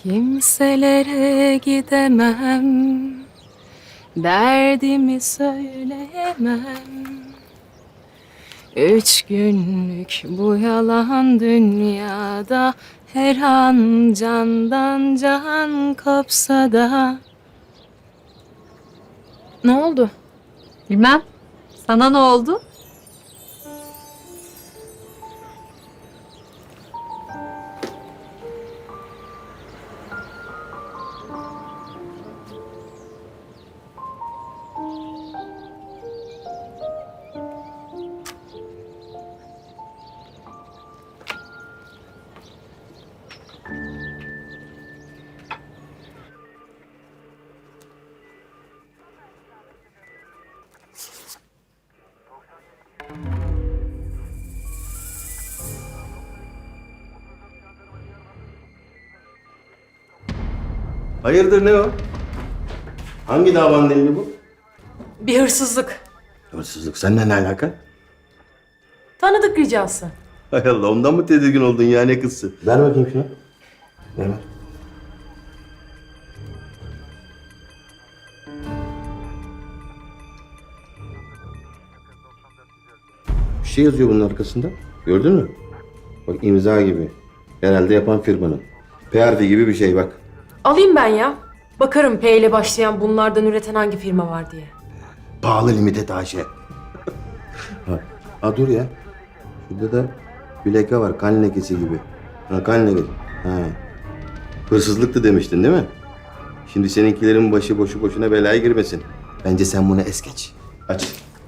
Kimselere gidemem, derdimi söyleyemem. 3 günlük bu yalan dünyada, her an candan can kopsa da. Ne oldu? Bilmem. Sana ne oldu? Hayırdır, ne o? Hangi davanın delili bu? Bir hırsızlık. Hırsızlık. Seninle ne alaka? Tanıdık ricası. Hay Allah, ondan mı tedirgin oldun ya, ne kızsın? Ver bakayım şunu. Ver. Bir şey yazıyor bunun arkasında. Gördün mü? Bak, imza gibi. Herhalde yapan firmanın. PRF gibi bir şey bak. Alayım ben ya. Bakarım P ile başlayan bunlardan üreten hangi firma var diye. Pahalı limited AŞ. ha dur ya. Şurada da bir leke var. Kan lekesi gibi. Ha, kan lekesi. Ha. Hırsızlıktı demiştin değil mi? Şimdi seninkilerin başı boşu boşuna belaya girmesin. Bence sen bunu es geç. Aç.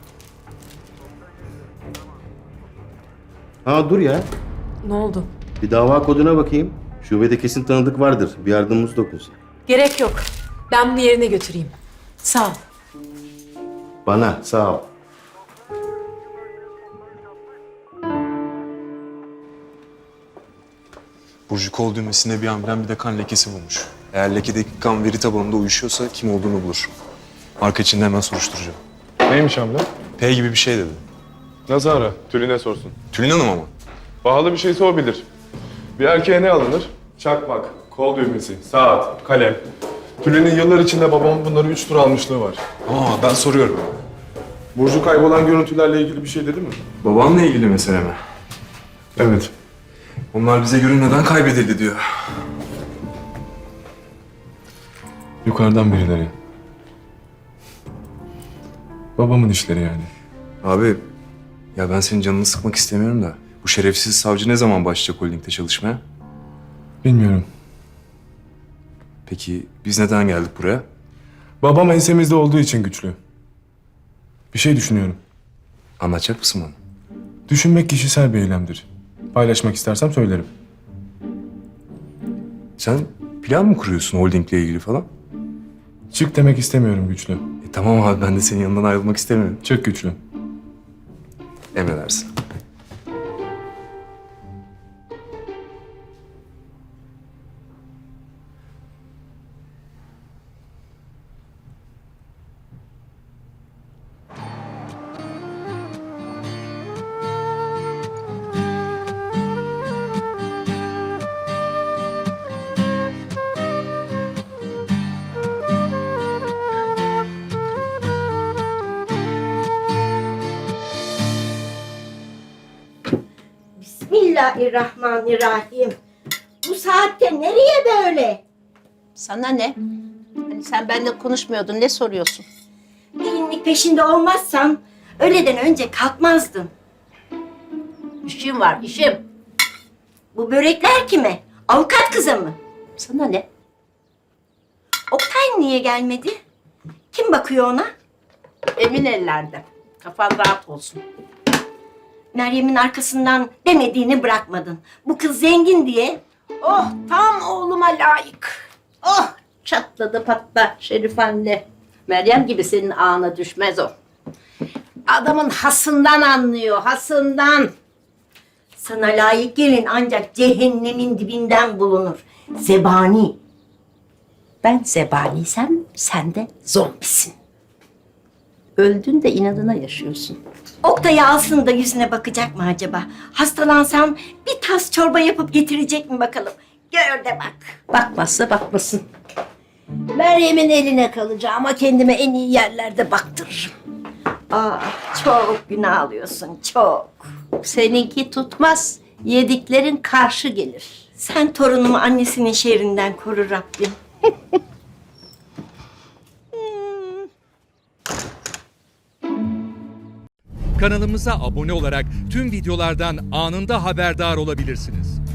Ha dur ya. Ne oldu? Bir dava koduna bakayım. Şubede kesin tanıdık vardır. Bir yardımımız dokunsun. Gerek yok. Ben bunu yerine götüreyim. Sağ ol. Bana sağ ol. Burcu kol düğmesinde bir amblem bir de kan lekesi bulmuş. Eğer lekedeki kan veri tabanında uyuşuyorsa kim olduğunu bulur. Arka içinde hemen soruşturacağım. Neymiş hamle? P gibi bir şey dedi. Nasıl ara? Tülin'e sorsun. Tülin Hanım ama. Pahalı bir şeyse o bilir. Bir erkeğe ne alınır? Çakmak, kol düğmesi, saat, kalem. Tülin'in yıllar içinde babamın bunları 3 tur almışlığı var. Aa, ben soruyorum. Burcu kaybolan görüntülerle ilgili bir şey dedi mi? Babanla ilgili mesele mi? Evet. Onlar bize göre neden kaybedildi diyor. Yukarıdan birileri. Babamın işleri yani. Abi, ya ben senin canını sıkmak istemiyorum da. Bu şerefsiz savcı ne zaman başlayacak holdingde çalışmaya? Bilmiyorum. Peki biz neden geldik buraya? Babam ensemizde olduğu için güçlü. Bir şey düşünüyorum. Anlatacak mısın bana? Düşünmek kişisel bir eylemdir. Paylaşmak istersem söylerim. Sen plan mı kuruyorsun holdingle ilgili falan? Çık demek istemiyorum güçlü. Tamam abi, ben de senin yanından ayrılmak istemiyorum. Çık güçlü. Emredersin. Bismillahirrahmanirrahim. Bu saatte nereye böyle? Sana ne? Hani sen benimle konuşmuyordun, ne soruyorsun? Gelinlik peşinde olmazsam öğleden önce kalkmazdım. İşim var, işim. Bu börekler kime? Avukat kıza mı? Sana ne? Oktay niye gelmedi? Kim bakıyor ona? Emin ellerde. Kafan rahat olsun. Meryem'in arkasından demediğini bırakmadın. Bu kız zengin diye. Oh, tam oğluma layık. Oh, çatladı patla Şerif anne. Meryem gibi senin ağına düşmez o. Adamın hasından anlıyor, hasından. Sana layık gelin ancak cehennemin dibinden bulunur. Zebani. Ben zebaniysem sen de zombisin. Öldün de inadına yaşıyorsun. Oktay'ı alsın da yüzüne bakacak mı acaba? Hastalansam bir tas çorba yapıp getirecek mi bakalım? Gör de bak. Bakmazsa bakmasın. Meryem'in eline kalacağım ama kendime en iyi yerlerde baktırırım. Çok günah alıyorsun, çok. Seninki tutmaz. Yediklerin karşı gelir. Sen torunumu annesinin şerrinden koru Rabbim. Kanalımıza abone olarak tüm videolardan anında haberdar olabilirsiniz.